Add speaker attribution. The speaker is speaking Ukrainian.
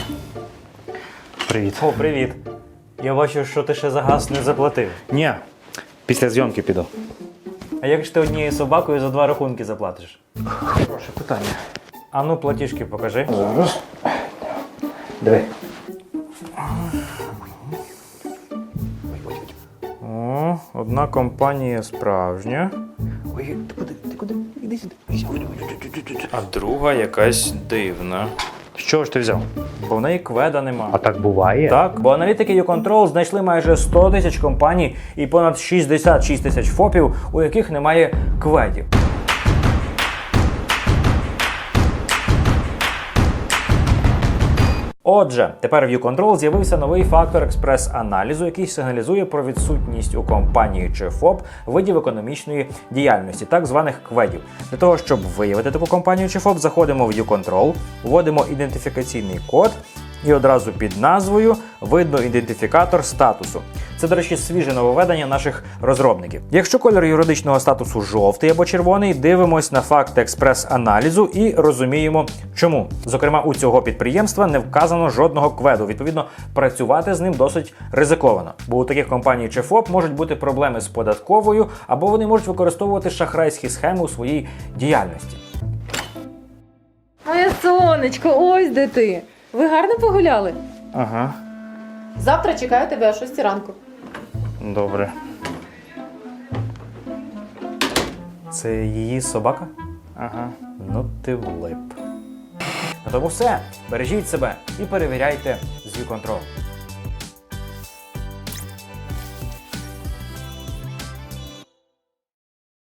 Speaker 1: Привіт.
Speaker 2: О, привіт. Я бачу, що ти ще за газ не заплатив.
Speaker 1: Ні, після зйомки піду.
Speaker 2: А як ж ти однією собакою за 2 рахунки заплатиш?
Speaker 1: Хороше питання.
Speaker 2: А ну, платіжки покажи.
Speaker 1: Зараз. Диви.
Speaker 2: О, одна компанія справжня,
Speaker 1: Ой, ти куди? Іди сюди.
Speaker 2: а друга якась дивна.
Speaker 1: Що ж ти взяв?
Speaker 2: Бо в неї кведа нема.
Speaker 1: А так буває?
Speaker 2: Так, бо аналітики YouControl знайшли майже 100 тисяч компаній і понад 66 тисяч ФОПів, у яких немає кведів. Отже, тепер в YouControl з'явився новий фактор експрес-аналізу, який сигналізує про відсутність у компанії чи ФОП видів економічної діяльності, так званих кведів. Для того, щоб виявити таку компанію чи ФОП, заходимо в YouControl, вводимо ідентифікаційний код, і одразу під назвою видно ідентифікатор статусу. Це, до речі, свіже нововведення наших розробників. Якщо кольор юридичного статусу жовтий або червоний, дивимось на факт експрес-аналізу і розуміємо, чому. Зокрема, у цього підприємства не вказано жодного кведу. Відповідно, працювати з ним досить ризиковано. Бо у таких компаній чи ФОП можуть бути проблеми з податковою, або вони можуть використовувати шахрайські схеми у своїй діяльності.
Speaker 3: Моє сонечко, ось де ти. Ви гарно погуляли?
Speaker 2: Ага,
Speaker 3: Завтра чекаю тебе о 6 ранку.
Speaker 2: добре. Це її собака? Ага. Ну ти влип. На тому все. Бережіть себе і перевіряйте з YouControl.